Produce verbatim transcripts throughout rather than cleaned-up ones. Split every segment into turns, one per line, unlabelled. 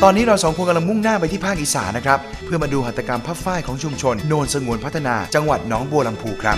ตอนนี้เราสองคนกำลังมุ่งหน้าไปที่ภาคอีสานนะครับเพื่อมาดูหัตถกรรมผ้าฝ้ายของชุมชนโนนสงวนพัฒนาจังหวัดหนองบัวลำพูครับ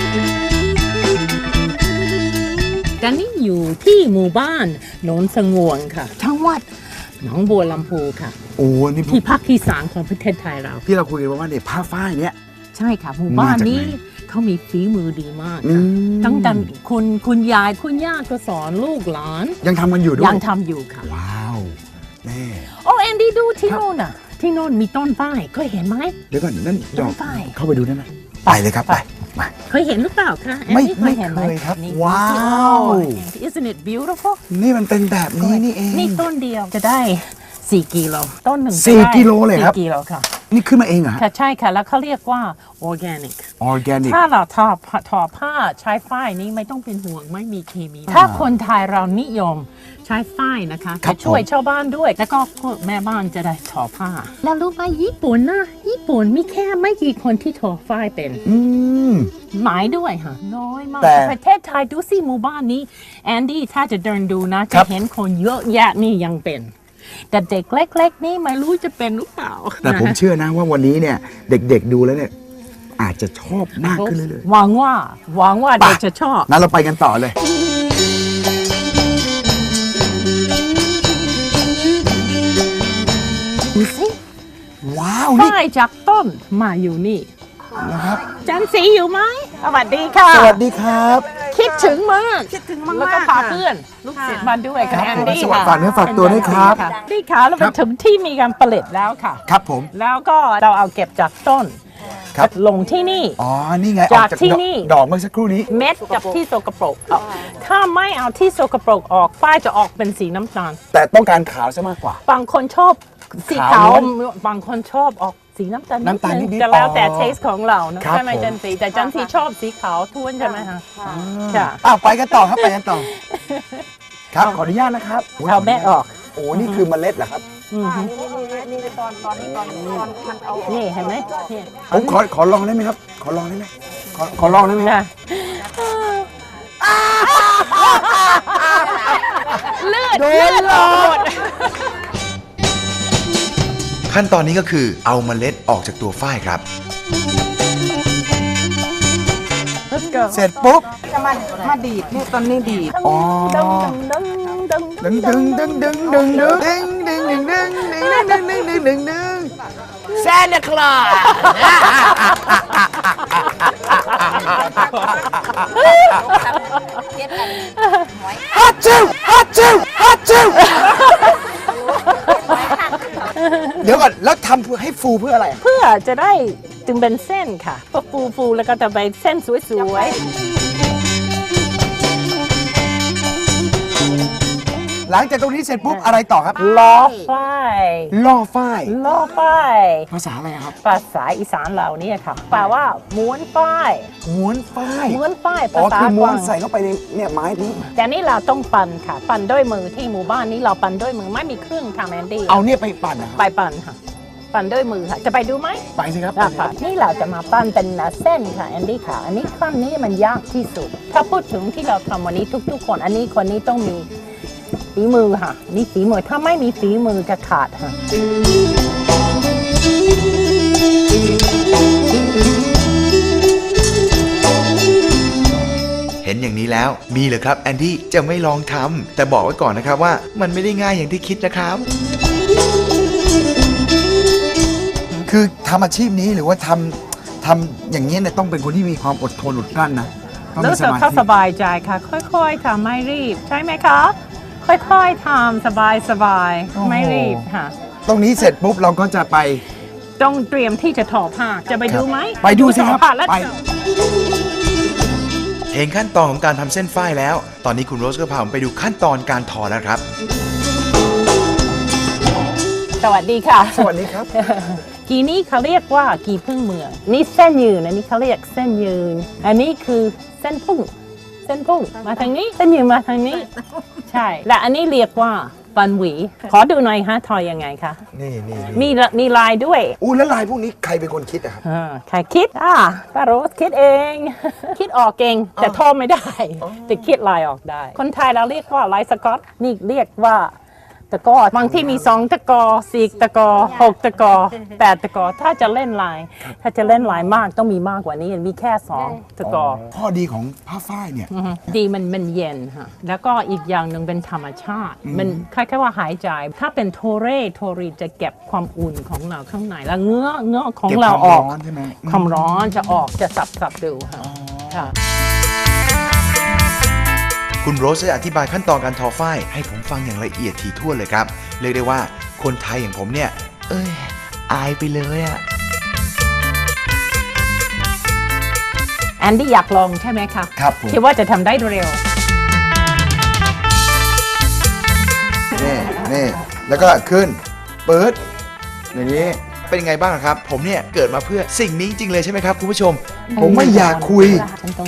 ตอนนี้อยู่ที่หมู่บ้านโนนสงวนค่ะจังหวัดหนองบัวลำพูค่ะ
โอ้นี่
ที่ภาคอีสานของประเทศไทยเรา
ที่เราคุยกันว่าเนี่ยผ้าฝ้ายเนี่ย
ใช่ค่ะหมู่บ้านนี้เขามีฝีมือดีมากค่ะตั้งแต่คุณคุณยายคุณย่าก็สอนลูกหลาน
ยังทำกันอยู่ด้วย
ยังทำอยู่ค่ะ
ว้าวแน่
โอ้แอนดี้ดูที่โน่นน่ะที่โน่นมีต้นฝ้ายเคยเห็นไหม
เดี๋ยวก่อนนั่นดอกฝ้ายเข้าไปดูได้ไหมไปเลยครับไปมา
เคยเห็นหรือเปล่าคะ
ไม่ไม่เคยครับว้าว
Isn't it beautiful
นี่มันเป็นแบบนี้นี่เอง
นี่ต้นเดียวจะได้สี่กิโลต้นหนึ่ง
สี่กิโลเลยครับ
สี่กิโลค่ะ
นี่ขึ้นมาเองเหรอ
ค่ะใช่ค่ะแล้วเขาเรียกว่า organic
organic
ถ้าเราทอทอผ้าใช้ฝ้ายนี้ไม่ต้องเป็นห่วงไม่มีเคมีถ้าคนไทยเรานิยมใช้ฝ้ายนะคะจะช่วยชาวบ้านด้วยแล้วก็พวกแม่บ้านจะได้ทอผ้าแล้วรู้ไหมญี่ปุ่นนะญี่ปุ่นมีแค่ไม่กี่คนที่ทอฝ้ายเป็น
อืม
หมายด้วยค่ะน้อยมากประเทศไทยดูสิหมู่บ้านนี้แอนดี้ถ้าจะเดินดูนะจะเห็นคนเยอะแยะนี่ยังเป็นแต่เด็กเล็กๆนี่ไม่รู้จะเป็นหรือเปล่า
แต่ผมเชื่อนะว่าวันนี้เนี่ยเด็กๆดูแล้วเนี่ยอาจจะชอบมากขึ้นเรื่อย
ๆหวังว่าหวังว่าเด็กจะชอบ
งั้นเราไปกันต่อเลย
ดูสิ
ว้าว
นี่ฝ้ายจากต้นมาอยู่นี่
นะครับ
จันสีอยู่ไหมสวัสดีค่ะ
สวัสดีครับ
คิดถึงมากคิดถึงมากแล้วก็พาเพื่อนลูกศิษย์มาด้วยค่ะแอนดี้ค่ะ
ฝากเนื้อฝากตัวด้วยครับ
นี่ค่ะเราไปถึงที่มีการผลิตแล้วค่ะ
ครับผม
แล้วก็เราเอาเก็บจากต้นครับลงที่นี่
อ๋อนี่ไง
จากที่นี่
ดอกเมื่อสักครู่นี้
เม็ดกับที่สกปรกถ้าไม่เอาที่สกปรกออกฝ้ายจะออกเป็นสีน้ำตาล
แต่ต้องการขาวซะมากกว่า
บางคนชอบสีขาวบางคนชอบบสีน้ำตาล
น้ำตาลนิด
ๆจะแล้วแต่เทสของเรานะใช่ไหมจันสีแต่จันสีชอบสีขาวท้วนใช่ไหมคะ
ค่ะอ้าวไปกันต่อครับไปกันต่อครับขออนุญาตนะครับ
เอาแม่ออก
โอ้นี่คือเมล็ดเหรอครับ
นี่ตอนตอนนี้ตอนมันเอานี่เห็นไหม
ผมขอขอลองได้ไหมครับขอลองได้ไหมขอขอลองได้ไหม
เลือดเลือดหมด
ขั้นตอนนี้ก็คือเอาเมล็ดออกจากตัวฝ้ายครับเสร็จปุ๊บ
จะมามาดีดนี่ตอนนี้ดีด
อ๋อดึงดึงดึงดึงดึงดึงดึงดึงดึงดึงดึงดึงดึงดึงดึงดึง
แซนด์คลอส
ฮัตจิวฮัตจิวฮัตจิวเดี๋ยวก่อนแล้วทำให้ฟูเพื่ออะไร
เพื่อจะได้จึงเป็นเส้นค่ะพอฟูฟูแล้วก็จะไปเส้นสวยๆ
หลังจากตรงนี้เสร็จปุ๊บอะไรต่อครับ
ล่อฝ้าย
ล่อฝ้าย
ล่อฝ้าย
ภาษาอะไรครับ
ภาษาอีสานเราเนี่ยค่ะแปลว่าม้วนฝ้าย
ม้วนฝ้าย
ม้วนฝ้าย
ภาษาคือม้วนใส่เข้าไปในเนี่ยไม้นี้
แต่นี่เราต้องปั่นค่ะปั่นด้วยมือที่หมู่บ้านนี้เราปั่นด้วยมือไม่มีเครื่องค่ะแมนดี้
เอาเนี่ยไปปั่นนะ
ไปปั่นค่ะปั่นด้วยมือค่ะจะไปดูไหม
ไปสิครับ
นี่เราจะมาปั้นเป็นเส้นค่ะแอนดี้ค่ะอันนี้ขั้นนี้มันยากที่สุดถ้าพูดถึงที่เราทำวันนี้ทุกๆคนอันนี้คนนี้ต้องมีฝีมือค่ะนี่ฝีมือถ้าไม่มีฝีมือจะขาดค่ะ
เห็นอย่างนี้แล้วมีเหรอครับแอนดี้จะไม่ลองทำแต่บอกไว้ก่อนนะครับว่ามันไม่ได้ง่ายอย่างที่คิดนะครับคือทำอาชีพนี้หรือว่าทำทำอย่างนี้เนี่ยต้องเป็นคนที่มีความอดทนอดกลั้นนะ
รู้สึกเขาสบายใจค่ะค่อยๆทำไม่รีบใช่ไหมคะค่อยๆทำสบายๆไม่รีบค่ะ
ตรงนี้เสร็จปุ๊บเราก็จะไป
ต้องเตรียมที่จะทอผ้าจะไปดูไหม
ไปดูสิครับไปเห็นขั้นตอนของการทำเส้นฝ้ายแล้วตอนนี้คุณโรสก็พาผมไปดูขั้นตอนการทอแล้วครับ
สวัสดีค่ะ
สวัสดีครับ
กีนี้เขาเรียกว่ากีพึ่งเมืองนี่เส้นยืนอันนี้เขาเรียกเส้นยืนอันนี้คือเส้นพุ่งเส้นพุ่งมาทางนี้เส้นยืนมาทางนี้ใช่และอันนี้เรียกว่าปันหวีขอดูหน่อยฮะทอยยังไงคะ
นี่นี่
มีมีลายด้วย
อู้แล้วลายพวกนี้ใครเป็นคนคิดอะครับ
ใครคิดอ่ะป้าโรสคิดเองคิดออกเก่งแต่ทอไม่ได้แต่คิดลายออกได้คนไทยเราเรียกว่าลายสก๊อตนี่เรียกว่าตะกร้อบางที่มีสองตะกร้อสี่ตะกร้อหกตะกร้อแปดตะกร้อถ้าจะเล่นลาย ถ้าจะเล่นลายมากต้องมีมากกว่านี้มีแค่สองตะกร้อ
ข้อดีของผ้าฝ้ายเนี่ย
อือฮึดีมันมันเย็นค่ะแล้วก็อีกอย่างหนึ่งเป็นธรรมชาติ มันคล้ายๆว่าหายใจ ถ้าเป็นโทเรโทรีจะเก็บความอุ่นของเราข้างในแล้วเงื้อเงื้อของ
เก็บ
เรา
ความ
ออก
ร้อนใช่ไหม
ความร้อนจะออกจะสับสับๆดูค่ะค่ะ
คุณโรสได้อธิบายขั้นตอนการทอฝ้ายให้ผมฟังอย่างละเอียดถี่ถ้วนเลยครับเรียกได้ว่าคนไทยอย่างผมเนี่ยเอ้ยอายไปเลยอะ
แอนดี้อยากลองใช่ไหมคะ
ครับผม
คิดว่าจะทำได้เร็ว
นี่นี่แล้วก็ขึ้นเปิดอย่างนี้เป็นยังไงบ้างครับ ผมเนี่ยเกิดมาเพื่อสิ่งนี้จริงเลยใช่ไหมครับคุณผู้ชม ผมไม่อยากคุย
ฉันต้อง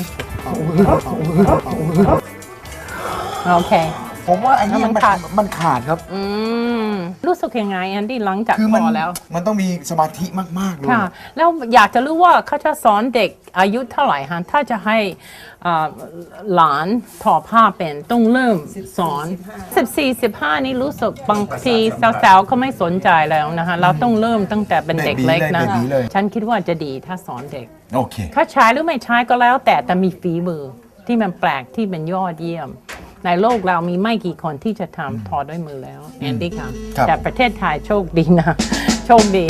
โอเค
ผมว่าไอ้นี่
มั
มัน
นขาด
มันขาดครับ
อืมรู้สึกยังไงแอนดี้หลังจาก
คือ
พ
มัน
อแล้ว
มันต้องมีสมาธิมากๆเลย
ค่ะ แล้วอยากจะรู้ว่าเขาจะสอนเด็กอายุเท่าไหร่ฮะถ้าจะให้อ่าหลานทอผ้าเป็นต้องเริ่มสอนสิบสี่ สิบห้านี่รู้สึกบางทีสาวๆเขาไม่สนใจแล้วนะคะเราต้องเริ่มตั้งแต่เป็นเด็กเล็กนะ
แบบนี้เลย
ฉันคิดว่าจะดีถ้าสอนเด็ก
โอเค
เขาใช้หรือไม่ใช้ก็แล้วแต่แต่มีฝีมือที่มันแปลกที่เป็นยอดเยี่ยม ในโลกเรามีไม่กี่คนที่จะทำทอด้วยมือแล้วแอนดี้ค่ะ
ครับ
แต่ประเทศไทยโชคดีนะ โชคดี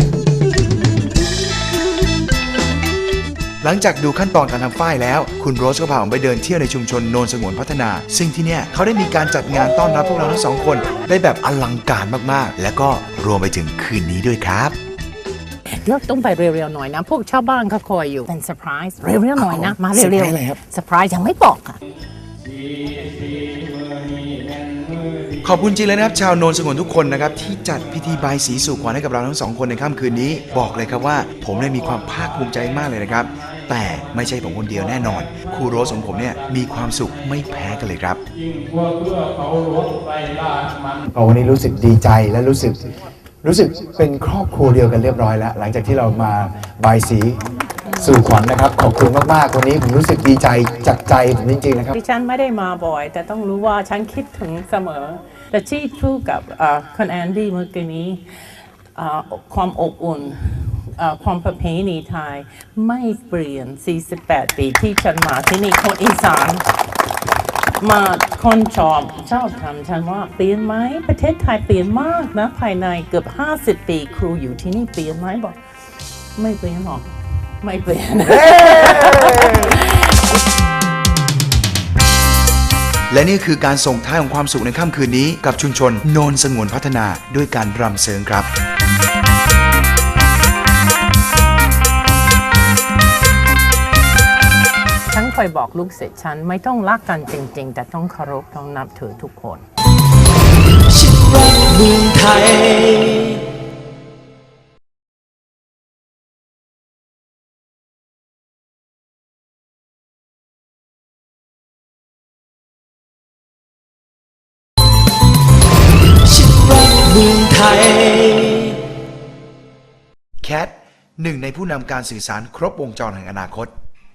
หลังจากดูขั้นตอนการทำฝ้ายแล้ว คุณโรสก็พาผมไปเดินเที่ยวในชุมชนโนนสงวนพัฒนา ซึ่งที่เนี่ยเขาได้มีการจัดงานต้อนรับพวกเราทั้งสองคนได้แบบอลังการมากๆ และก็รวมไปถึงคืนนี้ด้วยครับ
เดี๋ยวต้องไปเร็วๆหน่อยนะ พวกชาวบ้านเขาคอยอยู่ เป็นเซอร์ไพรส์เร็วๆหน่อยนะ มาเร็ว
เซอร์ไพรส์อะไรครับ
ๆเซอร์ไพรส์ยังไม่บอกค่ะ
ขอบคุณจริงเลยนะครับชาวโนนสงวนทุกคนนะครับที่จัดพิธีบายสีสู่ขวัญให้กับเราทั้งสองคนในค่ำคืนนี้ บอกเลยครับว่าผมได้มีความภาคภูมิใจมากเลยนะครับ แต่ไม่ใช่ผมคนเดียวแน่นอนครูโรสของผมเนี่ยมีความสุขไม่แพ้กันเลยครับ
วันนี้รู้สึกดีใจและรู้สึกรู้สึกเป็นครอบครัวเดียวกันเรียบร้อยแล้ว หลังจากที่เรามาบายสีสู่ขวัญนะครับ ขอบคุณมากๆวันนี้ผมรู้สึกดีใจจากใจผมจริงๆนะครับ
ดิฉันไม่ได้มาบ่อย แต่ต้องรู้ว่าฉันคิดถึงเสมอ แต่ที่พูดกับเอ่อคุณแอนดี้เมื่อกี้นี้เอ่อความอบอุ่นเอ่อความประเพณีไทยไม่เปลี่ยน สี่สิบแปด ปีที่ฉันมาที่นี่คนอีสานมาคนชอบชอบทำฉันว่าเปลี่ยนไหมประเทศไทยเปลี่ยนมากนะภายในเกือบ ห้าสิบ ปีครูอยู่ที่นี่เปลี่ยนไหมบอกไม่เปลี่ยนหรอกไม่เปลี่ยน
และนี่คือการส่งท้ายของความสุขในค่ำคืนนี้กับชุมชนโนนสงวนพัฒนาด้วยการรำเซิงครับ
ฉันเคยบอกลูกศิษย์ฉันไม่ต้องรักกันจริงๆ แต่ต้องเคารพต้องนับถือทุกคน
ฉันรักเมืองไทยฉันรักเมืองไทย
แคทหนึ่งในผู้นำการสื่อสารครบวงจรแห่งอนาคต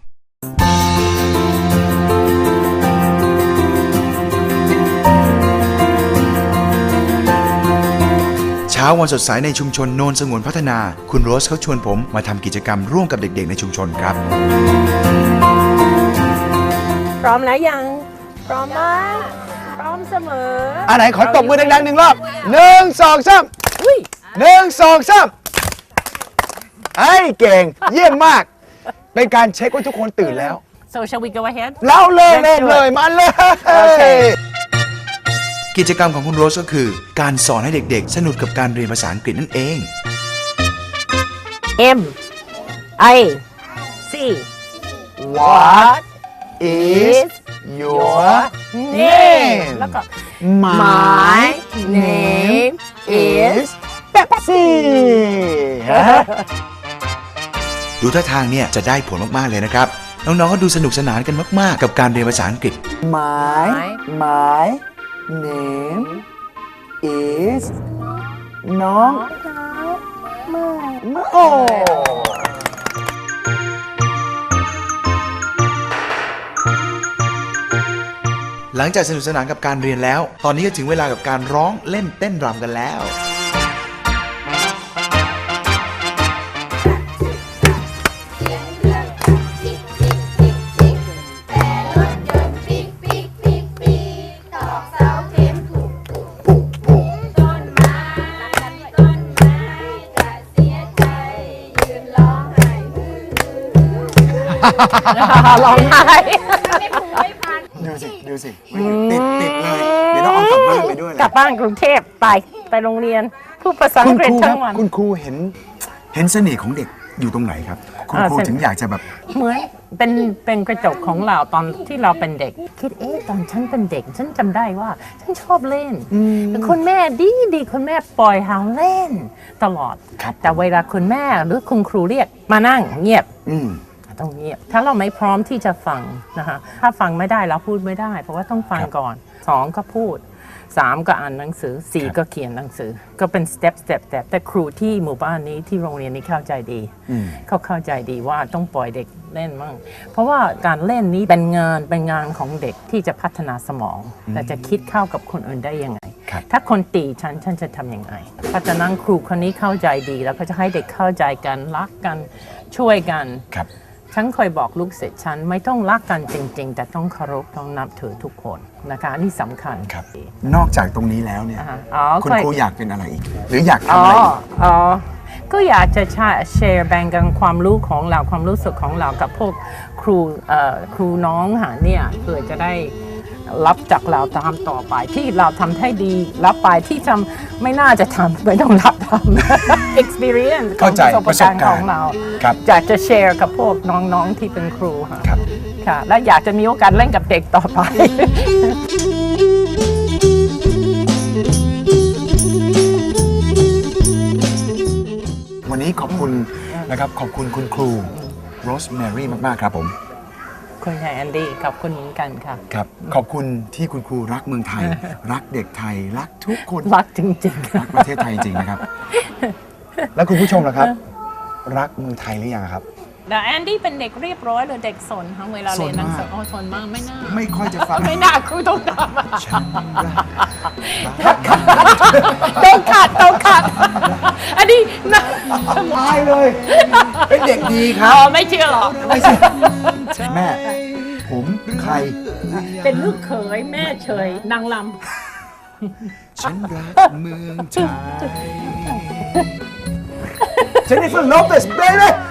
เช้าวันสดใสในชุมชนโนนสงวนพัฒนา คุณโรสเขาชวนผมมาทำกิจกรรมร่วมกับเด็กๆในชุมชนครับ
พร้อมแล้วยัง พร้อมมากพร้อมเสมอ
อันไหนขอตบมือดังๆหนึ่งรอบหนึ่งสองสาม
อุ้ย
หนึ่งสองสามไอ้เก่ง เยี่ยมมาก เป็นการเช็คว่าทุกคนตื่นแล้ว
so shall we go ahead
แล้วเลยเล่นเลยมาเลย
โอเค
กิจกรรมของคุณโรสก็คือ การสอนให้เด็กๆ สนุกกับการเรียนภาษาอังกฤษนั่นเอง
M I C
What is your name
แล้วก็
My name is Pepsi
ดูท่าทางเนี่ยจะได้ผลมากๆเลยนะครับ น้องๆก็ดูสนุกสนานกันมากๆ กับการเรียนภาษาอังกฤษ
My My name is น้องโอ้
หหลังจากสนุกสนานกับการเรียนแล้ว ตอนนี้ก็ถึงเวลากับการร้องเล่นเต้นรำกันแล้ว
ร้องไห้
ดูสิ ดูสิ ติดติดเลย เดี๋ยวต้องเอากลับบ้านไปด้วย
กลับบ้านกรุงเทพไปไปโรงเรียนพูดภาษาอั
คุ
ง
ณ
กฤ
ค
ษ
รูค
ทั้
รับ
งวัน
คุณครูเห็น เห็นเสน่ห์ของเด็กอยู่ตรงไหนครับ คุณ
อ่า
ครู
เสน่ห์
ถึงอยากจะแบบ
เหมือนเป็นเป็นกระจกของเราตอนที่เราเป็นเด็ก คิดเอ๊ะตอนฉันเป็นเด็ก ฉันจำได้ว่า ฉันชอบเล่นคุณแม่ดีดีคุณแม่ปล่อยให้เล่นตลอด
ครับ
แต่เวลาคุณแม่หรือคุณครูเรียกมานั่งเงียบ
อืม
ต้องเงียบถ้าเราไม่พร้อมที่จะฟังนะคะถ้าฟังไม่ได้เราพูดไม่ได้ เพราะว่าต้องฟังก่อนสองก็พูดสามก็อ่านหนังสือสี่ก็เขียนหนังสือ ก็เป็นสเต็ปสเต็ปแต่แต่ครูที่หมู่บ้านนี้ที่โรงเรียนนี้เข้าใจดี เขาเข้าใจดีว่าต้องปล่อยเด็กเล่นมั่งเพราะว่าการเล่นนี้เป็นงานเป็นงานของเด็กที่จะพัฒนาสมองและจะคิดเข้ากับคนอื่นได้ยังไง
ครับ
ถ้าคนตีฉันฉันจะทำยังไงเพราะฉะนั้นครูคนนี้เข้าใจดีแล้วก็จะให้เด็กเข้าใจกันรักกันช่วยกัน
ครับ
ฉันเคยบอกลูกศิษย์ฉันไม่ต้องรักกันจริง ๆ แต่ต้องเคารพต้องนับถือทุกคนนะคะอันนี่สำคัญ
ครับ นอกจากตรงนี้แล้วเนี่ย
อ่าอ๋อ
คุณ
เคย
ครูอยากเป็นอะไรอีก หรืออยาก
อ๋
ทำ
อ
อะไรอีก
อ๋อก็อยากจะแชร์แบ่งกันความรู้ของเราความรู้สึกของเรากับพวกครูเอ่อครูน้องหาเนี่ยเพื่อจะได้รับจากเราตามต่อไปที่เราทำให้ดีรับไปที่ทำไม่น่าจะทำไม่ต้องรับทำ experience ของ
เข้าใจ
ประสบการณ์ของเรา
ครับ
อยากจะแชร์กับพวกน้องๆที่เป็นครูค่ะ
ครับ
ค่ะ และอยากจะมีโอกาสเล่นกับเด็กต่อไป
วันนี้ขอบคุณนะครับ ขอบคุณคุณครูโรสแมรี่มาก ๆ ครับผม
คุณชายแอนดี้ขอบคุณเหมือนกันค่ะ
ครับ ขอบคุณที่คุณครูรักเมืองไทย รักเด็กไทย รักทุกคน
รักจริงๆ
รักประเทศไทยจริง ๆ นะครับ แล้วคุณผู้ชมล่ะครับ รักเมืองไทยหรือยังครับ
แต่แอนดี้เป็นเด็กเรียบร้อยหรือเด็กสนคะเวลาเรียนหนังสือ
สนมาก
โอ้สนมากไม่น่า
ไม่ค่อยจะฟัง
ไม่น่าครูต้องทำ
ฉันรัก
ต้องขัดต้องขัด อันนี้นะ
ตายเลย เป็นเด็กดีค
อ๋
รั
อบ ไม่เชื่อหรอก
ไม่ใช่แม่ ผมใคร
เป็นลูกเขยแม่เฉยนางล
ฉันรักเมืองไทย
เจนนิเฟอร์โลเปสเบย์